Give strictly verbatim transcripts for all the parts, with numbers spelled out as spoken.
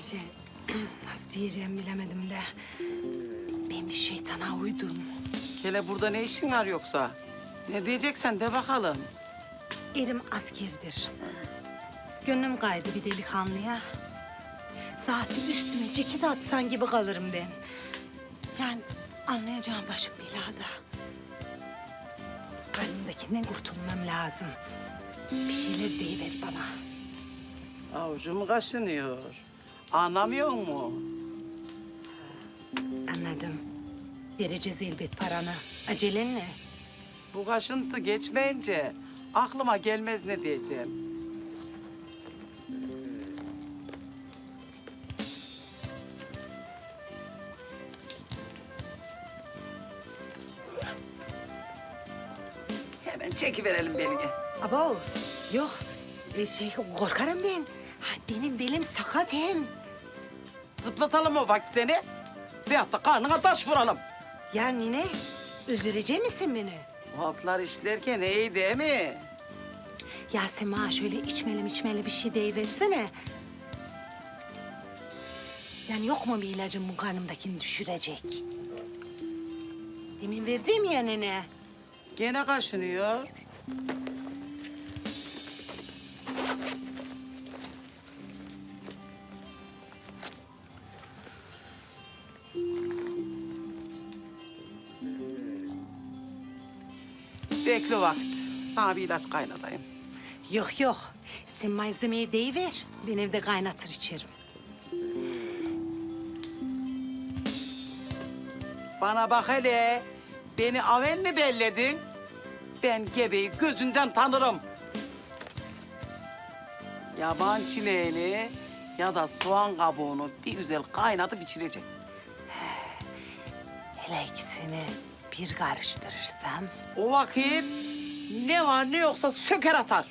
Şey, nasıl diyeceğim bilemedim de. Ben bir şeytana uydum. Hele burada ne işin var yoksa? Ne diyeceksen de bakalım. Erim askerdir. Gönlüm kaydı bir delikanlıya. Zaten üstüme ceket atsan gibi kalırım ben. Yani anlayacağım başım belada. Karnımdakinden kurtulmam lazım. Bir şeyler deyiver bana. Avucum kaşınıyor. Anlamıyor mu? Anladım. Vereceğiz elbet paranı. Acelen ne? Bu kaşıntı geçmeyince aklıma gelmez ne diyeceğim. Hemen çekiverelim belini. Abo, yok. E, şey, korkarım ben. Ha, benim belim sakat hem. Zıplatalım o vakit seni. Veyahut da karnına taş vuralım. Ya nine, öldürecek misin beni? Bu altlar işlerken iyi değil mi? Ya sen bana şöyle içmeli içmeli bir şey deyiversene. Yani yok mu bir ilacın bu karnımdakini düşürecek? Demin verdiğim ya nene. Gene kaşınıyor. Bekle vakit. Sana bir ilaç kaynatayım. Yok yok, sen malzemeyi deyiver. Ben evde kaynatır içerim. Bana bak hele. Beni avel mi belledin? Ben gebeyi gözünden tanırım. Yaban çileğini ya da soğan kabuğunu bir güzel kaynatıp içirecek. Hele ikisini bir karıştırırsam... O vakit ne var ne yoksa söker atar.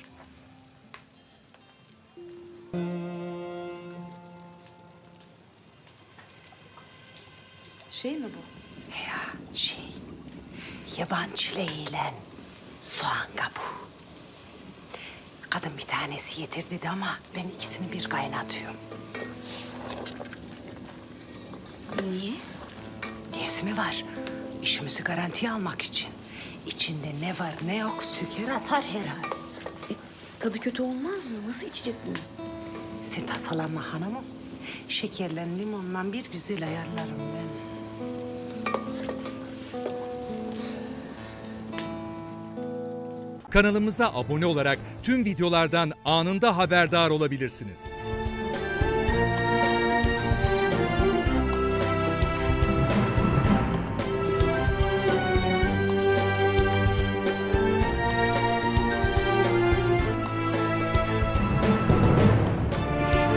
Şey mi bu? Ya şey, yaban çileğiyle soğan kabuğu. Kadın bir tanesi yeter dedi ama ben ikisini bir kaynatıyorum. Niye? Niyesi mi var? İşimizi garantiye almak için. İçinde ne var ne yok söker atar herhalde. E, tadı kötü olmaz mı? Nasıl içecek bunu? Sen tasalanma hanımım. Şekerle limonla bir güzel ayarlarım ben. Kanalımıza abone olarak tüm videolardan anında haberdar olabilirsiniz.